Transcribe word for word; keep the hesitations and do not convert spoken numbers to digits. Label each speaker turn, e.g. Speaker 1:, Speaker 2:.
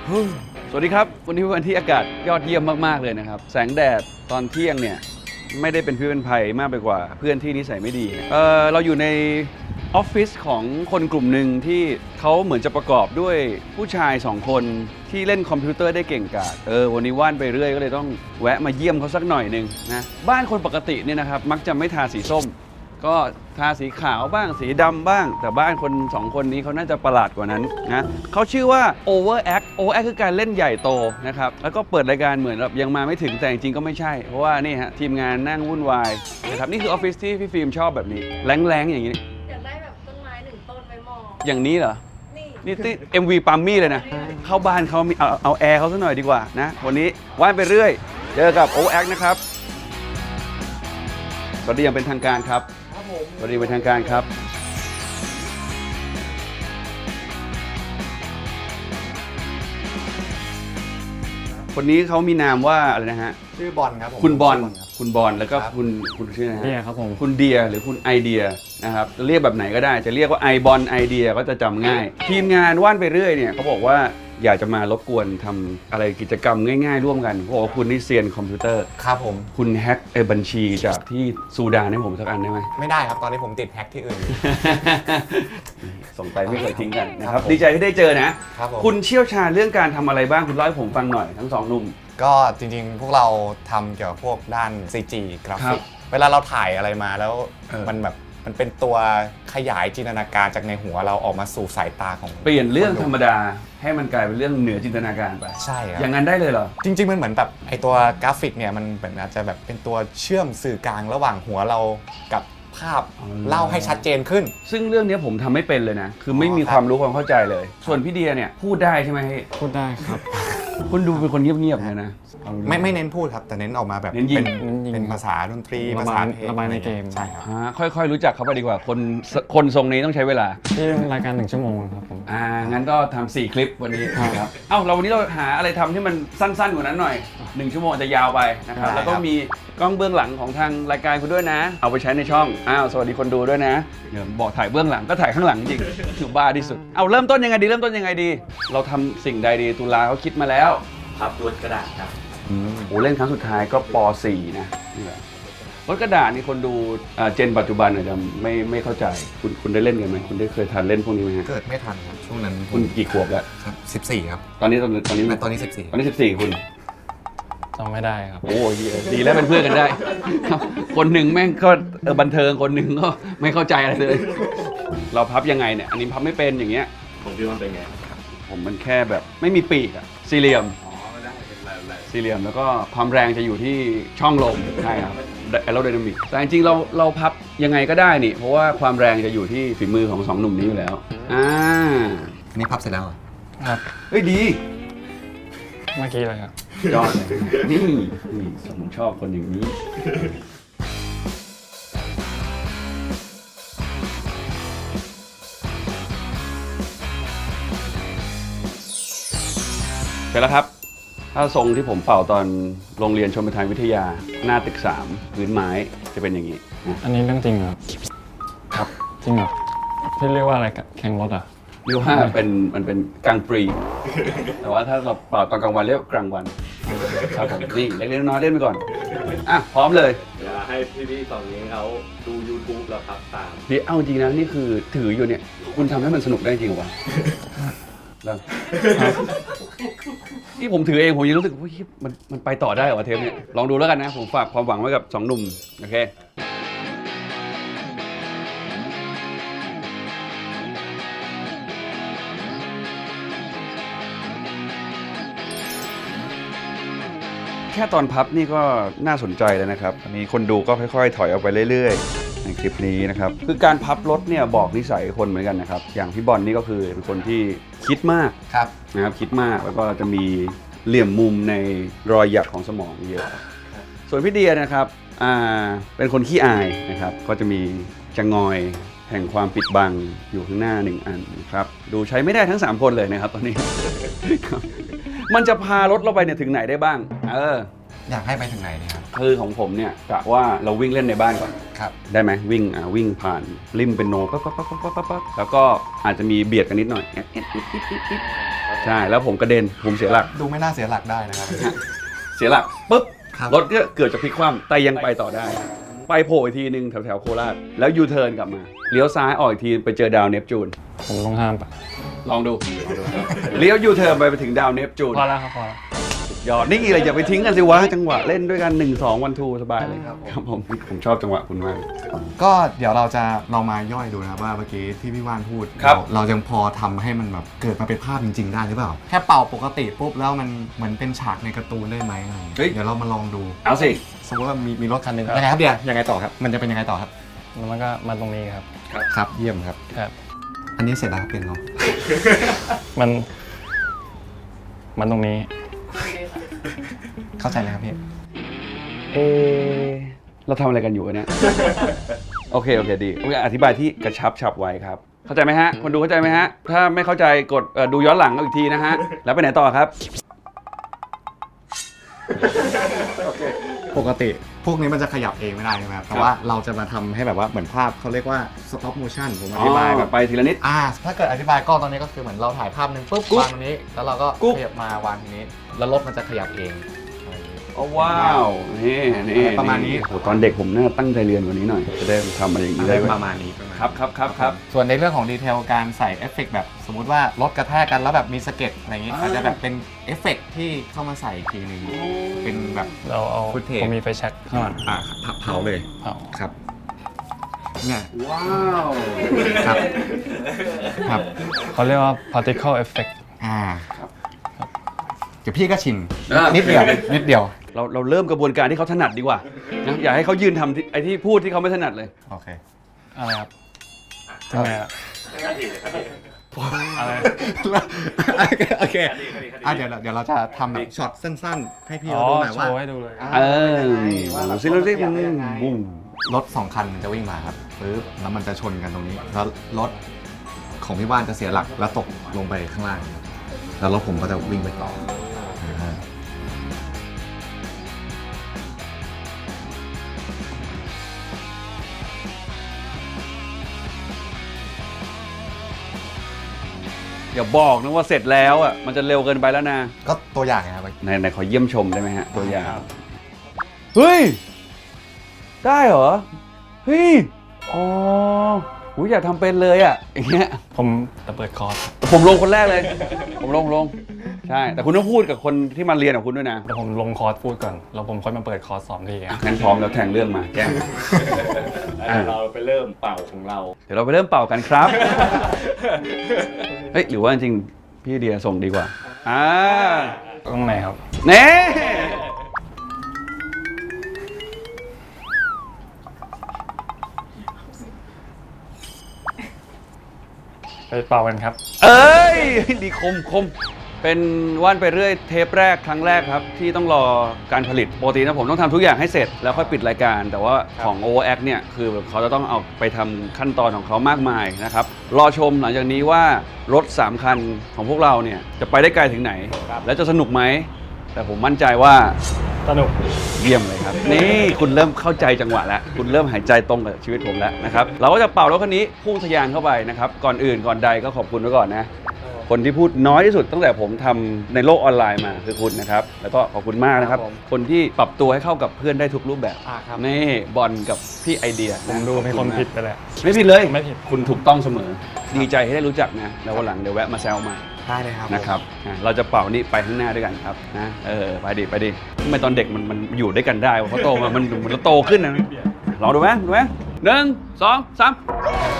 Speaker 1: สวัสดีครับวันนี้เป็นวันที่อากาศยอดเยี่ยมมากๆเลยนะครับแสงแดดตอนเที่ยงเนี่ยไม่ได้เป็นพิษเป็นภัยมากไปกว่าเพื่อนที่นิสัยไม่ดีเออเราอยู่ในออฟฟิศของคนกลุ่มหนึ่งที่เขาเหมือนจะประกอบด้วยผู้ชายสองคนที่เล่นคอมพิวเตอร์ได้เก่งกาจเออวันนี้ว่านไปเรื่อยก็เลยต้องแวะมาเยี่ยมเขาสักหน่อยนึงนะบ้านคนปกติเนี่ยนะครับมักจะไม่ทาสีส้มก็ทาสีขาวบ้างสีดำบ้างแต่บ้านคนสองคนนี้เขาน่าจะประหลาดกว่านั้นนะเขาชื่อว่า Overact Overact คือการเล่นใหญ่โตนะครับแล้วก็เปิดรายการเหมือนแบบยังมาไม่ถึงแต่จริงๆก็ไม่ใช่เพราะว่านี่ฮะทีมงานนั่งวุ่นวายนะครับนี่คือออฟฟิศที่พี่ฟิล์มชอบแบบนี้แรงๆอย่างนี้
Speaker 2: อยากได้แบบต้นไม้หนึ่งต้นไว้มอง
Speaker 1: อย่างนี้เหรอ
Speaker 2: นี่
Speaker 1: นี่ที่ เอ็ม วี ปัมมี่เลยนะเข้าบ้านเขามีเอาเอาแอร์เขาซะหน่อยดีกว่านะวันนี้ว่านไปเรื่อยเจอกับ Overact นะครับสวัสดีอย่างเป็นทางการครับสวัสดีเป็นทางการครับคนนี้เขามีนามว่าอะไรนะฮะ
Speaker 3: ชื่อบอลครับผม
Speaker 1: คุณบอลคุณบอลแล้วก็คุณคุณชื่อนะฮะ
Speaker 4: เดียครับผม
Speaker 1: คุณเดียหรือคุณไอเดียนะครับจะเรียกแบบไหนก็ได้จะเรียกว่าไอบอลไอเดียก็จะจำง่ายทีมงานว่านไปเรื่อยเนี่ยเขาบอกว่าอยากจะมารบกวนทำอะไรกิจกรรมง่ายๆร่วมกันเพราะว่าคุณนี่เซียนคอมพิวเตอร์
Speaker 3: ครับผม
Speaker 1: คุณแฮ็กไอ้บัญชีจากที่ซูดานให้ผมสักอันได้ไหม
Speaker 3: ไม่ได้ครับตอนนี้ผมติดแฮ็กที่อื่น
Speaker 1: ส่งไปไม่เคยทิ้งกันนะครับดีใจที่ได้เจอนะครับผมคุณเชี่ยวชาญเรื่องการทำอะไรบ้างคุณเล่าให้ผมฟังหน่อยทั้งสองหนุ่ม
Speaker 3: ก็จริงๆพวกเราทำเกี่ยวกับพวกด้าน ซี จี กราฟิกเวลาเราถ่ายอะไรมาแล้วมันแบบมันเป็นตัวขยายจินตนาการจากในหัวเราออกมาสู่สายตาของ
Speaker 1: เปลี่ยนเรื่องธรรมดาให้มันกลายเป็นเรื่องเหนือจินตนาการไป
Speaker 3: ใช่ครับ
Speaker 1: อย่างนั้นได้เลยเหรอ
Speaker 3: จริงๆมันเหมือนแบบไอตัวกราฟิกเนี่ยมันเหมือนอาจจะแบบเป็นตัวเชื่อมสื่อกลางระหว่างหัวเรากับภาพเล่าให้ชัดเจนขึ้น
Speaker 1: ซึ่งเรื่องนี้ผมทำไม่เป็นเลยนะคือไม่มีความรู้ความเข้าใจเลยส่วนพี่เดียเนี่ยพูดได้ใช่ไหม
Speaker 4: พูดได้ครับ
Speaker 1: คุณดูเป็นคนเงียบๆเลยนะ
Speaker 3: ไม่ไม่เน้นพูดครับแต่เน้นออกมาแบบเป็นเป็นภาษาดนตรีภาษาเพลง
Speaker 4: ระบายในเกม
Speaker 3: ใช่ครับ
Speaker 1: ค่อยๆรู้จักเขาไปดีกว่าคนคนทรงนี้ต้องใช้เวลา
Speaker 4: ที่รายการหนึ่งชั่วโมงครับผม
Speaker 1: อ่างั้นก็ทำสี่คลิปวันนี้ครับเอ้าเราวันนี้เราหาอะไรทำที่มันสั้นๆกว่านั้นหน่อยหนึ่งชั่วโมงจะยาวไปนะครับแล้วก็มีกล้องเบื้องหลังของทางรายการคุณด้วยนะเอาไปใช้ในช่องอ้าวสวัสดีคนดูด้วยนะเดี๋ยวบอกถ่ายเบื้องหลังก็ถ่ายข้างหลังจริงถือบ้าที่สุดเอาเริ่มต้นยังไงดีเริ่มต้นยังไงดีเราทำสิ่งใดดีตุลาเขาคิดมาแล้ว
Speaker 5: พับรถกระดาษครับ
Speaker 1: โอ้เล่นครั้งสุดท้ายก็ป .สี่ นะนี่แหละรถกระดาษนี่คนดูเจนปัจจุบันอาจจะไม่ไม่เข้าใจคุณคุณได้เล่นกันไหมคุณได้เคยทันเล่นพวกนี้ไหมฮะ
Speaker 3: เกิดไม่ทันครับช่วงนั้น
Speaker 1: คุณกี่ขวบแล้ว
Speaker 3: ครับสิบสี่ครับ
Speaker 1: ตอนนี้ตอนตอนนี้
Speaker 3: ตอนนี้สิบสี่
Speaker 1: ตอนนี้สิบสี่คุณ
Speaker 4: จำไม่ได้ครับ
Speaker 1: โอ้ดีแล้วเป็นเพื่อนกันได้คนหนึ่งแม่งก็บันเทิงคนหนึ่งก็ไม่เข้าใจอะไรเลยเราพับยังไงเนี่ยอันนี้พับไม่เป็นอย่างเงี้ย
Speaker 5: ผมพี่ว่าเป็นไง
Speaker 1: ผมมันแค่แบบไม่มีปีกอะสี่เหลี่ยมสี่เหลี่ยมแล้วก็ความแรงจะอยู่ที่ช่องลมใช่ครับแอโรไดนามิกแต่จริงๆเราเราพับยังไงก็ได้นี่เพราะว่าความแรงจะอยู่ที่ฝีมือของสองหนุ่มนี้อยู่แล้วอ่า
Speaker 3: อันนี้พับเสร็จแล้ว
Speaker 4: ครับ
Speaker 1: เฮ้ยดี
Speaker 4: เมื่อกี้เลยครับ
Speaker 1: ยอดเลยนี่นี่ผมชอบคนอย่างนี้เสร็จแล้วครับถ้าทรงที่ผมเป่าตอนโรงเรียนชมประทานวิทยาหน้าตึกสามพื้นไม้จะเป็นอย่างนี้
Speaker 4: อันนี้เรื่องจริงเหรอ
Speaker 1: ครับ
Speaker 4: จริงเหรอพี่เรียกว่าอะไรแข่งรถอ่ะ
Speaker 1: เรียกว่าเป็นมันเป็นกลางปรีแต่ว่าถ้าเราเป่าตอนกลางวันเรียกกลางวันครับผมนี่เล็กๆน้อยๆเล่นไปก่อนอ่ะพร้อมเลย
Speaker 5: เดี๋ยวให้พี่ๆสองนี้เขาดู YouTube แล้วครับตาม
Speaker 1: พี่เอาจริงนะนี่คือถืออยู่เนี่ยคุณทำให้มันสนุกได้จริงวะแล้วที่ผมถือเองผมยังรู้สึกว่ามันมันไปต่อได้เหรอเทปนี้ลองดูแล้วกันนะผมฝากความหวังไว้กับสองหนุ่มโอเคแค่ตอนพับนี่ก็น่าสนใจแล้วนะครับมีคนดูก็ค่อยๆถอยออกไปเรื่อยๆในคลิปนี้นะครับคือการพับรถเนี่ยบอกนิสัยคนเหมือนกันนะครับอย่างพี่บอลนี่ก็คือเป็นคนที่คิดมากนะครับคิดมากแล้วก็จะมีเหลี่ยมมุมในรอยหยักของสมองเยอะส่วนพี่เดียนะครับอ่าเป็นคนขี้อายนะครับก็จะมีจะงอยแห่งความปิดบังอยู่ข้างหน้าหนึ่งอันนะครับดูใช้ไม่ได้ทั้งสามคนเลยนะครับตอนนี้ มันจะพารถเราไปเนี่ยถึงไหนได้บ้างเออ
Speaker 3: อยากให้ไปถึงไหนเนี่ยครับ
Speaker 1: คือของผมเนี่ยกะว่าเราวิ่งเล่นในบ้านก่อน
Speaker 3: ครับ
Speaker 1: ได้ไหมวิ่งอ่าวิ่งผ่านริมเป็นโนปั๊บปั๊บปั๊บปั๊บปั๊บแล้วก็อาจจะมีเบียดกันนิดหน่อยใช่แล้วผมกระเด็นผมเสียหลัก
Speaker 3: ดูไม่น่าเสียหลักได้นะครับ
Speaker 1: เสียหลักปุ๊บ
Speaker 3: ครับ
Speaker 1: รถก็เกิดจะพลิกคว่ำแต่ยังไปต่อได้ ไปโผล่อีกทีนึงแถวแถวๆโคราชแล้วยูเทิร์นกลับมาเลี้ยวซ้ายออกอีกทีไปเจอดาวเนปจูน
Speaker 4: ผมต้องห้ามปะ
Speaker 1: ลองดูเลี้ยวยูเทิร์นไปไปถึงดาวเนปจูน
Speaker 4: พอแล้วครับพอแล้ว
Speaker 1: ยอดนี่อะไรอย่าไปทิ้งกันสิวะจังหวะเล่นด้วยกันหนึ่งสองวันทูสบายเลยครับผมผมชอบจังหวะคุณมาก
Speaker 3: ก็เดี๋ยวเราจะลองมาย่อยดูนะครับว่าเมื่อกี้ที่พี่ว่านพูด
Speaker 1: ครับ
Speaker 3: เราเรายังพอทำให้มันแบบเกิดมาเป็นภาพจริง ๆ ได้หรือเปล่า แค่เป่าปกติปุ๊บแล้วมันเหมือนเป็นฉากในการ์ตูนได้ไหมอะไรอย่างเงี้ย
Speaker 1: เฮ้ย
Speaker 3: เดี๋ยวเรามาลองดู
Speaker 1: เอาสิ
Speaker 3: สมมติว่ามีมีรถคันหนึ่งยังไงครับเดี๋ยวยังไงต่อครับ มันจะเป็นยังไงต่อครับ
Speaker 4: แล้วมันก็มาตรงนี้ครับ
Speaker 3: ครับเยี่ยมครับ
Speaker 4: ครับ
Speaker 3: อันนี้เสร็จแล้วครับเป็นเนาะ
Speaker 4: มัน มันตรงนี้
Speaker 3: เข้าใจเลยครับพี่
Speaker 1: เออเราทำอะไรกันอยู่วะเนี่ย โอเคโอเคดีโอเคอธิบายที่กระชับฉับไวครับ เข้าใจไหมฮะคนดูเข้าใจไหมฮะถ้าไม่เข้าใจกดเอ่อดูย้อนหลังเอาอีกทีนะฮะแล้วไปไหนต่อครับ
Speaker 3: ปกติพวกนี้มันจะขยับเองไม่ได้ใช่ไหมครับแต่ว่าเราจะมาทำให้แบบว่าเหมือนภาพเขาเรียกว่า stop motion ผมอธิบายแบบ
Speaker 1: ไปทีละนิด
Speaker 3: อ่าถ้าเกิดอธิบายกล้องตอนนี้ก็คือเหมือนเราถ่ายภาพหนึ่งปุ๊บ
Speaker 1: กุ๊บ
Speaker 3: วางตรงนี้ แล้วเราก็
Speaker 1: กุ๊บ
Speaker 3: ขยับมาวางทีนี้ แล้วรถมันจะขยับเองอะไรอย่างนี้
Speaker 1: โอ้ว้าวนี่นี่
Speaker 3: ประมาณนี้
Speaker 1: โอ้โหตอนเด็กผมน่าตั้งใจเรียนกว่านี้หน่อยจะได้ทำอะไรอย่างนี้ได้เว้ย
Speaker 3: ประมาณนี้ประมาณนี้
Speaker 1: ครับครับครับครับ
Speaker 3: ส่วนในเรื่องของดีเทลการใส่เอฟเฟกต์แบบสมมุติว่ารถกระแทกกันแล้วแบบมีสะเก็ดอะไรอย่างนี้
Speaker 1: อ่า
Speaker 3: อาจจะแบบเป็นเอฟเฟกต์ที่เข้ามาใส่อีกทีหนึงเป็นแบบ
Speaker 4: เราเอา
Speaker 3: Footage
Speaker 4: ผมมีไฟแช็กข้างหลัง
Speaker 3: อ่าเผาเลย
Speaker 4: เผา
Speaker 3: ครับเนี่ย
Speaker 1: ว้าว
Speaker 3: ครับครับ
Speaker 4: เขาเรียกว่า particle effect
Speaker 3: อ่าเดี๋ยวพี่ก็ชินนิดเดียวนิดเดียว
Speaker 1: เราเราเริ่มกระบวนการที่เขาถนัดดีกว่านะอย่าให้เขายืนทำที่ไอ้ที่พูดที่เขาไม่ถนัดเลย
Speaker 3: โอเค
Speaker 4: อะไรครับทำไมอะอะไร
Speaker 3: โอเคอ่ะเดี๋ยวเราเดี๋ยวเราจะทำแบบช็อตสั้นๆ ให้พี่
Speaker 4: อ๋อ
Speaker 3: เราดูหน่อย
Speaker 4: โช
Speaker 3: ว่า
Speaker 4: ว์ให้ดูเลย
Speaker 1: เออ
Speaker 3: ว่าแบบ
Speaker 1: ซิลซิ
Speaker 3: ขยับได้ยังไง
Speaker 1: บุ้ม
Speaker 3: รถสองคันมันจะวิ่งมาครับปึ๊บแล้วมันจะชนกันตรงนี้ แล้วรถของพี่ว่านจะเสียหลักแล้วตกลงไปข้างล่าง แล้วรถผมก็จะวิ่งไปต่อนะฮะ
Speaker 1: อย่าบอกนะว่าเสร็จแล้วอ่ะมันจะเร็วเกินไปแล้วนะ
Speaker 3: ก็ตัวอย่างไงครับ
Speaker 1: ในในขอเยี่ยมชมได้ไหมฮะตัวอย่างเฮ้ยได้เหรอเฮ้ยอ๋อหูอยากทำเป็นเลยอ่ะอย่างเงี้ย
Speaker 4: ผมจะเปิดคอร์ส
Speaker 1: ผมลงคนแรกเลย ผมลงลงใช่แต่คุณต้องพูดกับคนที่มาเรียนกับคุณด้วยนะ
Speaker 4: เดี๋ยวผมลงคอร์สพูดก่อน แล้วผมค่อยมาเปิดคอร์สสอนพี่
Speaker 1: อ่ะงั้นพร้อมแล้วแทงเรื่องมาแก้ม
Speaker 5: แล้วเราไปเริ่มเป่าของเรา
Speaker 1: เดี๋ยวเราไปเริ่มเป่ากันครับ เฮ้ยหรือว่าจริงๆพี่เดียส่งดีกว่า อ่า
Speaker 4: ตรงไหนครับ
Speaker 1: เน่
Speaker 4: ไปเป่ากันครับ
Speaker 1: เอ้ย ดีคมคม เป็นว่านไปเรื่อยเทปแรกครั้งแรกครับ ที่ต้องรอการผลิตปกตินะผมต้องทำทุกอย่างให้เสร็จแล้วค่อยปิดรายการ แต่ว่าของ Overact เนี่ยคือเขาจะต้องเอาไปทำขั้นตอนของเขามากมายนะครับ รอชมหลังจากนี้ว่ารถสามคันของพวกเราเนี่ยจะไปได้ไกลถึงไหน และจะสนุกไหม แต่ผมมั่นใจว่า
Speaker 4: สนุก
Speaker 1: เยี่ยมเลยครับ นี่คุณเริ่มเข้าใจจังหวะแล้ว คุณเริ่มหายใจตรงกับชีวิตผมแล้วนะครับเราก็จะเป่ารถคันนี้พุ่งทะยานเข้าไปนะครับก่อนอื่นก่อนใดก็ขอบคุณไว้ก่อนนะ คนที่พูดน้อยที่สุดตั้งแต่ผมทำในโลกออนไลน์มาคือคุณนะครับ แล้วก็ขอบคุณมากนะครับ คนที่ปรับตัวให้เข้ากับเพื่อนได้ทุกรูปแบบ
Speaker 3: อ่าครับ
Speaker 1: นี่บอลกับพี่ไอเดีย
Speaker 4: ผมดูมีคนผิดไปแล้ว
Speaker 1: ไม่ผิดเลย
Speaker 4: ไม่ผิด
Speaker 1: คุณถูกต้องเสมอ ดีใจที่ได้รู้จักนะแล้ววันหลังเดี๋ยวแวะมาแซวใหม่
Speaker 3: ได้เลยครับ
Speaker 1: นะครับอ่ะเราจะเป่านี่ไปข้างหน้าด้วยกันครับนะเออไปดิไปดิทำไมตอนเด็กมันมันอยู่ด้วยกันได้วะเพราะโตมามันมันเราโตขึ้นนะลองดูไหมดูไหมหนึ่งสองสาม